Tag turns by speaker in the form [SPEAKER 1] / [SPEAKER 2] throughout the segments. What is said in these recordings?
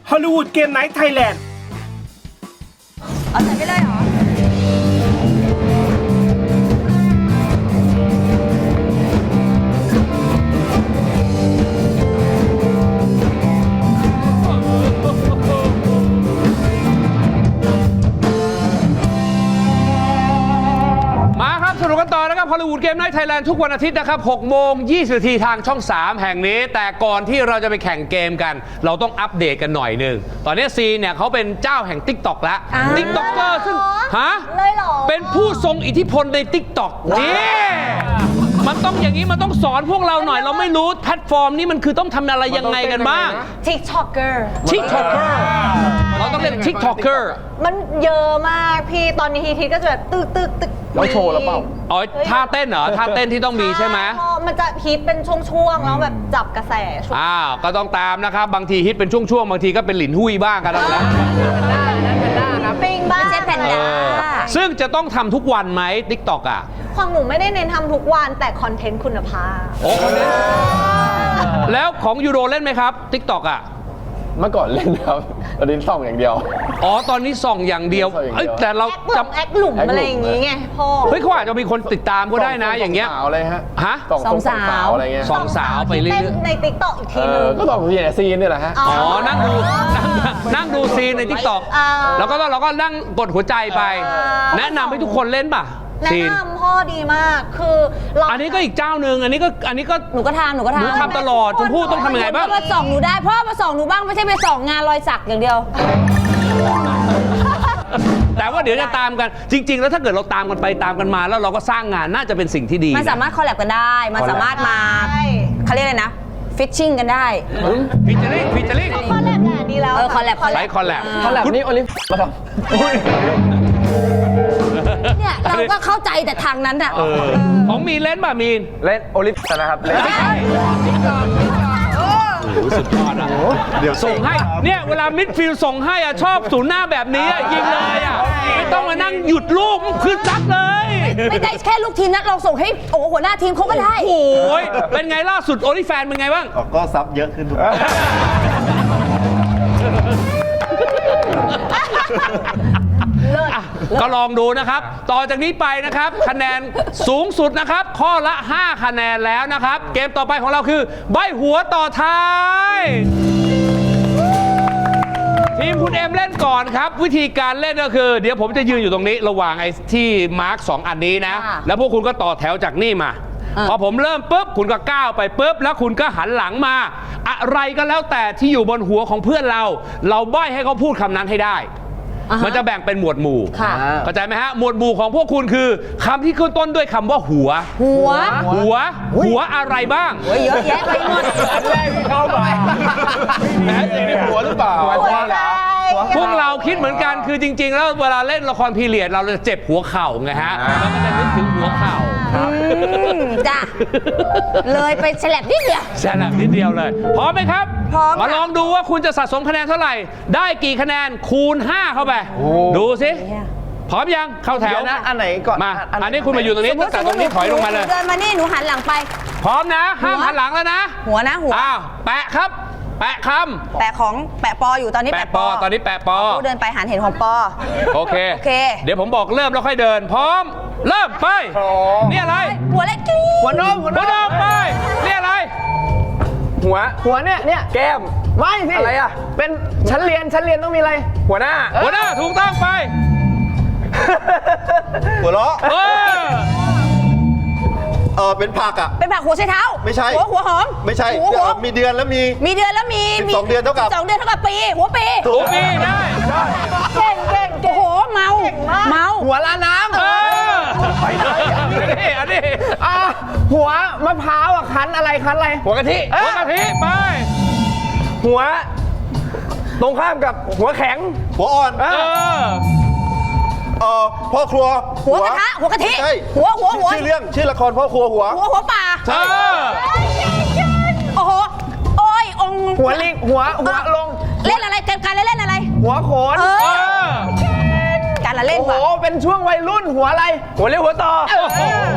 [SPEAKER 1] ฮอลลีวูดเกมไนท์ไทยแลนด์
[SPEAKER 2] เอาใส่ไปเลยเหรอ
[SPEAKER 3] สนุกกันต่อนะครับฮอลลีวูดเกมไนท์ไทยแลนด์ทุกวันอาทิตย์นะครับ6 โมง 20 นาทีทางช่อง 3 แห่งนี้แต่ก่อนที่เราจะไปแข่งเกมกันเราต้องอัปเดตกันหน่อยหนึ่งตอนนี้ซีเนี่ยเขาเป็นเจ้าแห่ง TikTok แล้ว TikToker ซึ่งฮะเป็นผู้ทรงอิทธิพลใน TikTok นี่มันต้องอย่างนี้มันต้องสอนพวกเราหน่อยเราไม่รู้แพลตฟอร์มนี้มันคือต้องทำอะไรยังไงกันบ้าง
[SPEAKER 2] TikToker
[SPEAKER 3] เราต้องเล่น TikToker
[SPEAKER 2] มันเยอะมากพี่ตอนนี้ฮิตก็จะแบบตึก
[SPEAKER 4] เราโชว์แล้วเปล่า
[SPEAKER 3] อ๋อท่าเต้นเหรอท่าเต้นที่ต้องมีใช่ไหม
[SPEAKER 2] มันจะฮิตเป็นช่วงๆแล้วแบบจับกระแส
[SPEAKER 3] ก็ต้องตามนะครับบางทีฮิตเป็นช่วงๆบางทีก็เป็นหลินหุ้ยบ้างกันแล้ว
[SPEAKER 2] ปิงบ้างแพนด้า
[SPEAKER 3] ซึ่งจะต้องทำทุกวันไหม TikTok อ่ะ
[SPEAKER 2] ของหนูไม่ได้เน้นทำทุกวันแต่คอนเทนต์คุณภาพ
[SPEAKER 3] โอ้แล้วของยูโรเล่นไหมครับ TikTok อ่ะ
[SPEAKER 4] เมื่อก่อนเล่นครับตอนนี้ส่องอย่างเดียว
[SPEAKER 3] อ๋อตอนนี้ส่องอย่างเดียวแต่เรา
[SPEAKER 2] จำแอคหลุมอะไรอย่างงี้ไงพ่อ
[SPEAKER 3] เฮ้ยเขาอาจจะมีคนติดตามก็ได้นะอย่างเงี้ย
[SPEAKER 4] สาวอะไรฮะ
[SPEAKER 2] สองสาว
[SPEAKER 4] อะไรเงี้ย
[SPEAKER 3] สองสาวไปเรื่อย
[SPEAKER 2] ๆใน TikTok อีกทีนึง
[SPEAKER 4] ก็ต้องมีซีนนี่แหละฮะ
[SPEAKER 3] อ๋อนั่งดูซีนใน TikTok แล้วก็เราก็นั่งกดหัวใจไปแนะนำให้ทุกคนเล่นป่ะ
[SPEAKER 2] แนะนำพ่อดีมากคือ
[SPEAKER 3] อันนี้ก็อีกเจ้าหนึ่งอันนี้ก็
[SPEAKER 2] หนูก็ทำหนู
[SPEAKER 3] ทำตลอดชมพู่ต้องทำยังไงบ้าง
[SPEAKER 2] มาส่องหนูได้พ่อมาส่องหนูบ้างไม่ใช่ไปส่องงานรอยสักอย่างเดียว
[SPEAKER 3] แต่ว่าเดี๋ยวจะตามกันจริงๆแล้วถ้าเกิดเราตามกันไปตามกันมาแล้วเราก็สร้างงานน่าจะเป็นสิ่งที่ดี
[SPEAKER 2] มันสามารถคอลแลบกันได้มันสามารถมาเขาเรียกอะไรนะฟิชชิ่งกันได้
[SPEAKER 3] ฟิชเชอริ่ง
[SPEAKER 2] คอลแลบน่ะดีแล้ว
[SPEAKER 3] คอลแลบ
[SPEAKER 4] นี่โอลิฟมาทำ
[SPEAKER 2] เนี่ยเราก็เข้าใจแต่ทางนั้นอ่ะ
[SPEAKER 3] ของมีเล่นป่ะมีน
[SPEAKER 4] เล่นโอลิฟนะครับเล่น
[SPEAKER 3] สุดยอดอ่ะเดี๋ยวส่งให้เนี่ยเวลามิดฟิลด์ส่งให้อ่ะชอบศูนย์หน้าแบบนี้ยิงเลยอ่ะไม่ต้องมานั่งหยุดลูกขึ้นซัดเลย
[SPEAKER 2] ไม่ได้แค่ลูกทีมนะเราส่งให้โอ้หัวหน้าทีมเขาก็ได้
[SPEAKER 3] โอ้ยเป็นไงล่าสุดโอลิแฟนเป็นไงบ้าง
[SPEAKER 5] ก็ซับเยอะขึ้นทุก
[SPEAKER 3] ก็ลองดูนะครับต่อจากนี้ไปนะครับคะแนนสูงสุดนะครับข้อละ5คะแนนแล้วนะครับเกมต่อไปของเราคือใบหัวต่อท้ายทีมคุณเอ็มเล่นก่อนครับวิธีการเล่นก็คือเดี๋ยวผมจะยืนอยู่ตรงนี้ระหว่างไอ้ที่มาร์ค2อันนี้นะแล้วพวกคุณก็ต่อแถวจากนี่มาพอผมเริ่มปุ๊บคุณก็ก้าวไปปุ๊บแล้วคุณก็หันหลังมาอะไรก็แล้วแต่ที่อยู่บนหัวของเพื่อนเราใบ้ให้เขาพูดคำนั้นให้ได้มันจะแบ่งเป็นหมวดหมู่เข้าใจไหมฮะหมวดหมู่ของพวกคุณคือคำที่ขึ้นต้นด้วยคำว่าหัวอะไรบ้าง
[SPEAKER 2] เยอะแยะไปหมด
[SPEAKER 4] เข้าไปแหมในหัวหรือเปล่า
[SPEAKER 3] พวกเราคิดเหมือนกันคือจริงๆแล้วเวลาเล่นละครพีเรียดเราจะเจ็บหัวเข่าไงฮะเราก็จะนึกถึงหัวเข่า
[SPEAKER 2] จ้ะเลยไปแฉลบนิดเดี
[SPEAKER 3] ยวเลยพร้อมไหมครับ
[SPEAKER 2] พร้อม
[SPEAKER 3] มาลองดูว่าคุณจะสะสมคะแนนเท่าไหร่ได้กี่คะแนนคูณ5เข้าไปดูสิพร้อมยังเข้าแถว
[SPEAKER 4] นะอันไหนก่อน
[SPEAKER 3] มาอันนี้คุณมาอยู่ตรงนี้ตั้งแต่ตรงนี้ถอยลงมาเลย
[SPEAKER 2] เดินมานี่หนูหันหลังไป
[SPEAKER 3] พร้อมนะห้ามหันหลังแล้วนะ
[SPEAKER 2] หัว
[SPEAKER 3] อ้าวแปะครับแปะคำ
[SPEAKER 2] แปะปออยู่ตอนนี้แปะปอ
[SPEAKER 3] ตอนนี้แปะปอ
[SPEAKER 2] เดินไปหันเห็นของปอ
[SPEAKER 3] โอเคเดี๋ยวผมบอกเริ่มแล้วค่อยเดินพร้อมเริ่มไปนี่อะไร
[SPEAKER 2] หัวเล็ก
[SPEAKER 4] หัวนม
[SPEAKER 3] ไปนี่อะไร
[SPEAKER 4] หัวเนี่ยแก้มไม่สิอะไรอ่ะเป็นชั้นเรียนต้องมีอะไรหัวหน้า
[SPEAKER 3] ถูกต้องไป
[SPEAKER 5] หัวเราะเป็นผักอ่ะ
[SPEAKER 2] เป็นผักหัวไชเท้า
[SPEAKER 5] ไม่ใช่
[SPEAKER 2] หัวหอม
[SPEAKER 5] ไม่ใช่มีเดือนแล้วมี
[SPEAKER 2] 12 เดือนเท่ากับปีหัวปี
[SPEAKER 3] ถูกปีได้
[SPEAKER 2] เก่งโอ้โหเมา
[SPEAKER 4] หัวลาน้ำ
[SPEAKER 3] อันนี้
[SPEAKER 4] หัวมะพร้าวอ่ะคั้นอะไร
[SPEAKER 3] หัวกะทิไป
[SPEAKER 4] หัวตรงข้ามกับหัวแข็ง
[SPEAKER 5] หัวอ่อนพ่อครัว
[SPEAKER 2] หัวกระทะหัวกะทิหัว
[SPEAKER 5] ชื่อละครพ่อครัวหัว
[SPEAKER 2] ป่าโอ้โหโอ้ยอง
[SPEAKER 4] หัวลิงหัวลง
[SPEAKER 2] เล่นอะไรการเล่นอะไร
[SPEAKER 4] หัวโขน
[SPEAKER 2] การละเล่น
[SPEAKER 4] โอ้โหเป็นช่วงวัยรุ่นหัวอะไรหัวเลี้ยวหัวต่อ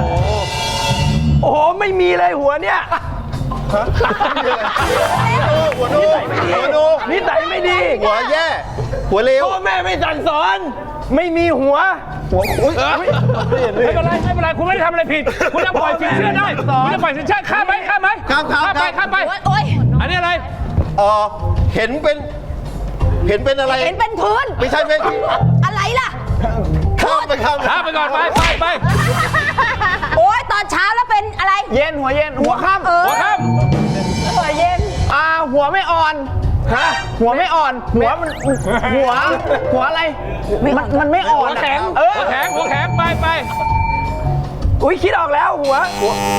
[SPEAKER 4] โอ้โหไม่มีเลยหัวเนี่ย
[SPEAKER 5] หัวดูหัวดู
[SPEAKER 4] นิสัยไม่ดี
[SPEAKER 5] หัวแย่ หัวเลว
[SPEAKER 4] พ่อแม่ไม่สั่งสอน ไม่มีหัวอุ๊ย
[SPEAKER 3] ไม่เป็นไรไม่เป็นไรคุณไม่ได้ทำอะไรผิด คุณยังปล่อยสินเชื่อได้คุณจะปล่อยสินเชื่อข้ามไหมข้ามไหม
[SPEAKER 5] ข้าม
[SPEAKER 3] ไปข้ามไป
[SPEAKER 2] โอ๊ย
[SPEAKER 3] อันนี้อะไร
[SPEAKER 5] เห็นเป็นอะไร
[SPEAKER 2] เห็นเป็นพื้น
[SPEAKER 5] ไม่ใช่เป็น
[SPEAKER 2] อะไรล่ะ
[SPEAKER 5] ข้ามไปข้าม
[SPEAKER 3] ข้ามไปก่อนไป
[SPEAKER 2] โอ๊ยตอนเช้าแล้วเป็นอะไร
[SPEAKER 4] เย็นหัวเย็นหัวค่ำ
[SPEAKER 3] หัวข้าม
[SPEAKER 2] หัวเย็น
[SPEAKER 4] หัวไม่อ่อนฮะหัวไม่อ่อน หัวมันหัวอะไรมันไม่อ่อน
[SPEAKER 3] หัวแข็ง หัวแข็งไป
[SPEAKER 4] อุ้ยคิดออกแล้วหัว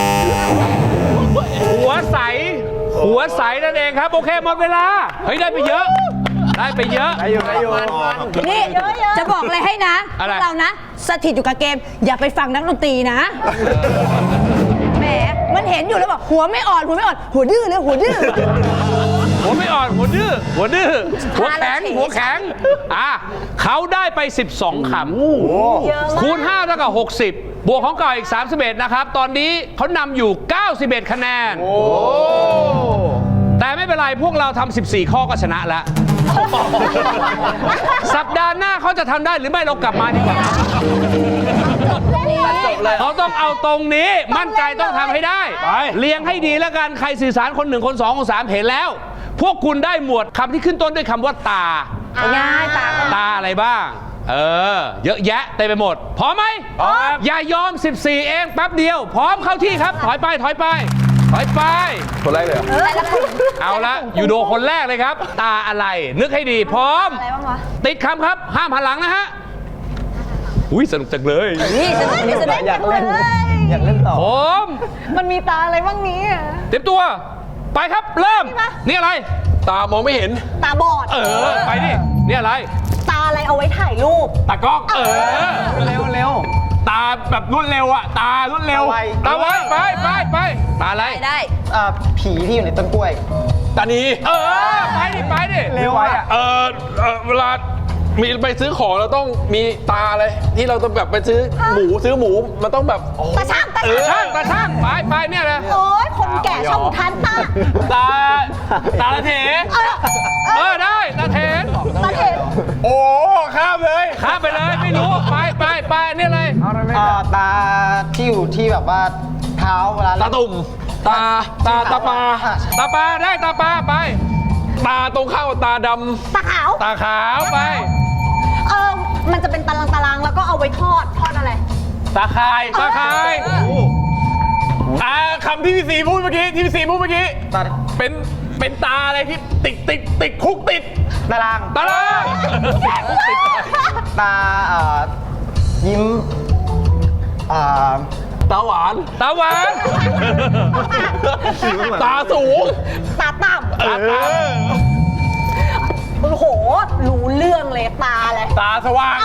[SPEAKER 3] หัวใสนั่นเองครับ โอเคหมดเวลา เฮ้ยได้ไปเยอะ ได้ไปเยอะ
[SPEAKER 4] อยู่
[SPEAKER 2] นี่จะบอกอะไรให้นะ
[SPEAKER 3] อะไร
[SPEAKER 2] พวกเรานะสถิตอยู่กับเกม อย่าไปฟังนักดนตรีนะแหมมันเห็นอยู่แล้วบอกหัวไม่อ่อนหัวดื้อเลยหัวดื้อ
[SPEAKER 3] หัวไม่อ่อนหัวดื้อหัวแข็งเขาได้ไป 12 คำคูณ5เท่ากับ60 บวกของเก่าอีก 31 นะครับ ตอนนี้เขานำอยู่ 91 คะแนนแต่ไม่เป็นไรพวกเราทำ14 ข้อก็ชนะแล้ว สัปดาห์หน้าเขาจะทำได้หรือไม่เรากลับมาดีกว่าเขาต้องเอาตรงนี้มั่นใจต้องทำให้ได้เรียงให้ดีแล้วกันใครสื่อสารคน1คน2คน3เห็นแล้ว พวกคุณได้หมวดคำที่ขึ้นต้นด้วยคำว่าตา
[SPEAKER 2] ง่ายตา
[SPEAKER 3] อะไรบ้างเยอะแยะเต็มไปหมดพร้อมไหมอย่ายอม14เองแป๊บเดียวพร้อมเข้าที่ครับถอยไปคนแรกเลยเอาละยูโดคนแรกเลยครับตาอะไรนึกให้ดีพร้อมอะไรบ้างวะติดคำครับห้ามหันหลังนะฮะอุ้ยสนุกจังเลย
[SPEAKER 2] นี่สนุกนี่อยากเล่น
[SPEAKER 4] ต่อ
[SPEAKER 3] ผม
[SPEAKER 6] มันมีตาอะไรบ้างนี้อะ
[SPEAKER 3] เตรียมตัวไปครับเริ่มนี่อะไรตามองไม่เห็น
[SPEAKER 6] ตาบอด
[SPEAKER 3] ไปดินี่อะไร
[SPEAKER 6] ตาอะไรเอาไว้ถ่ายรูป
[SPEAKER 3] ตากล้อง
[SPEAKER 4] เร็ว
[SPEAKER 3] ตาแบบรวดเร็วอะตารวดเร็วตาไว้ไปตาอะไร
[SPEAKER 2] ได้
[SPEAKER 4] ผีที่อยู่ในต้นกล้วย
[SPEAKER 3] ตานีไปดิ
[SPEAKER 4] เร็วไว้อะ
[SPEAKER 7] เวลามีไปซื้อของเราต้องมีตาอะไรที่เราต้องแบบไปซื้อหมูมันต้องแบบ
[SPEAKER 6] ตาช่าง
[SPEAKER 3] ตาช่างไปเนี่ยเลย
[SPEAKER 6] โอ้ยคนแก่ชอบอุทานตา
[SPEAKER 3] ตาละเถได้ตาเถน
[SPEAKER 6] ตาเห็น
[SPEAKER 3] โอ้ข้ามเลยไม่รู้ไปนี่เลย
[SPEAKER 4] ตาที่อยู่ที่แบบว่าเท้าเวลา
[SPEAKER 7] ตาตุ่มตาปลา
[SPEAKER 3] ได้ตาปลาไป
[SPEAKER 7] ตาตรงข้าวตาดำ
[SPEAKER 6] ตาขาว
[SPEAKER 3] ตาขาวไป
[SPEAKER 6] มันจะเป็นตารางแล้วก็เอาไว้ทอดอะไร
[SPEAKER 3] ตาคาย
[SPEAKER 7] คำที่พี่สีพูดเมื่อกี้เป็นตาอะไรที่ติดคุกติด
[SPEAKER 4] ตาราง
[SPEAKER 3] ตาราง
[SPEAKER 4] ตายิ้ม
[SPEAKER 7] ตาหวาน
[SPEAKER 3] ตาหวาน
[SPEAKER 7] ตาสูง
[SPEAKER 6] ตาต่ำโอ้โหรู้เรื่องเลยตาอะไร
[SPEAKER 3] ตาสว่าง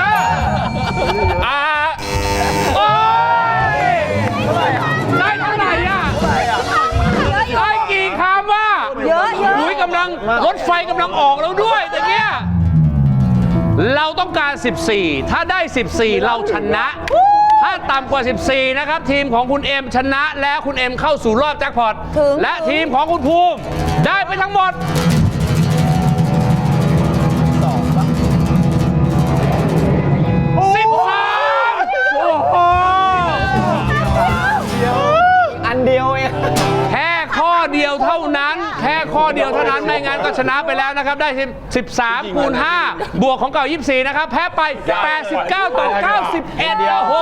[SPEAKER 3] โอ้ยได้เท่าไหร่อ่ะได้กี่คำว่า
[SPEAKER 2] เยอะ
[SPEAKER 3] อุ้ยรถไฟกำลังออกแล้วด้วยแต่เนี้ยเราต้องการ14ถ้าได้14เราชนะถ้าต่ำกว่า14นะครับทีมของคุณเอ็มชนะแล้วคุณเอ็มเข้าสู่รอบแจ็คพอตและทีมของคุณภูมิได้ไปทั้งหมด
[SPEAKER 4] อันเดียวเอง
[SPEAKER 3] แค่ข้อเดียวเท่านั้นไม่งั้นก็ชนะไปแล้วนะครับได้13คูณ5บวกของเก่า24นะครับแพ้ไป89ต่อ91โอ้โห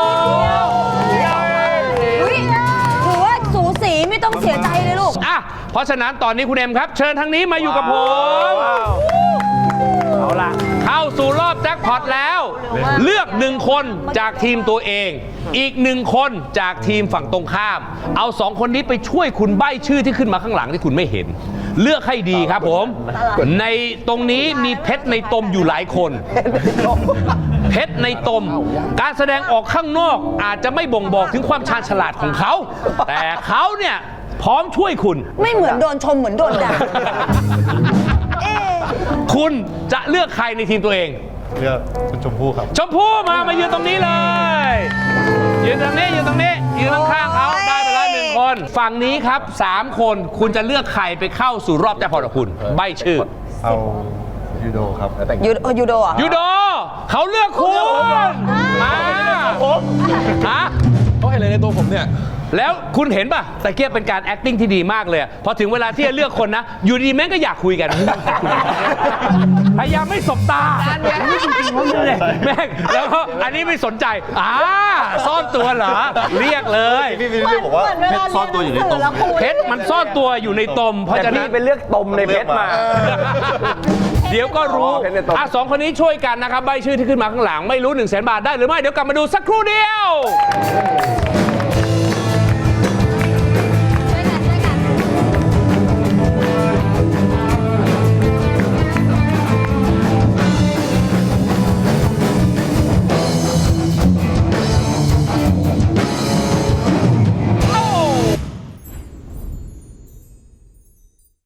[SPEAKER 2] ถือว่าสูสีไม่ต้องเสียใจเลยลูก
[SPEAKER 3] เพราะฉะนั้นตอนนี้คุณเอ็มครับเชิญทางนี้มาอยู่กับผมเอาล่ะเข้าสู่รอบแจ็คพอตแล้วเลือก1คนจากทีมตัวเองอีก1คนจากทีมฝั่งตรงข้ามเอา2คนนี้ไปช่วยคุณใบ้ชื่อที่ขึ้นมาข้างหลังที่คุณไม่เห็นเลือกให้ดีครับผมในตรงนี้มีเพชรในตมอยู่หลายคนเพชรในตมการแสดงออกข้างนอกอาจจะไม่บ่งบอกถึงความชาญฉลาดของเขาแต่เขาเนี่ยพร้อมช่วยคุณ
[SPEAKER 2] ไม่เหมือนโดนชมเหมือนโดนด่า
[SPEAKER 3] คุณจะเลือกใครในทีมตัวเอง
[SPEAKER 5] เลือกคุณชมพู่ครับ
[SPEAKER 3] ชมพู่มายืนตรงนี้เลยยืนตรงนี้ยืนข้างๆเขาได้ไปแล้ว1 คนฝั่งนี้ครับ 3 คนคุณจะเลือกใครไปเข้าสู่รอบแจ็คพอตกับคุณ ใบชื่อ
[SPEAKER 5] เอายูโดครับ
[SPEAKER 2] ยูโดอ่ะ
[SPEAKER 3] ยูโดเขาเลือกคุณมาฮะ
[SPEAKER 7] เขาเห็นอะไรในตัวผมเนี่ย
[SPEAKER 3] แล้วคุณเห็นป่ะตะเกียบเป็นการ acting ที่ดีมากเลยพอถึงเวลาที่จะเลือกคนนะ อยู่ดีแม่งก็อยากคุยกัน พยายามไม่สบตานี่จริงๆเขาเลยแม่งแล้วก็อันนี้ไม่สนใจซ่อนตัวเหรอเรียกเลย
[SPEAKER 5] พี่วิลลี่บอกว่าเพชรซ่อนตัวอยู่ในตรง
[SPEAKER 3] เพชรมันซ่อนตัวอยู่ในตมเพราะ
[SPEAKER 4] แต่
[SPEAKER 3] ฉะนั้
[SPEAKER 4] พี่
[SPEAKER 3] น
[SPEAKER 4] ไปเลือกตมในเพชรมา
[SPEAKER 3] เดี๋ยวก็รู้
[SPEAKER 4] เพชรในตม
[SPEAKER 3] สองคนนี้ช่วยกันนะครับใบชื่อที่ขึ้นมาข้างหลังไม่รู้100,000 บาทได้หรือไม่เดี๋ยวกลับมาดูสักครู่เดียว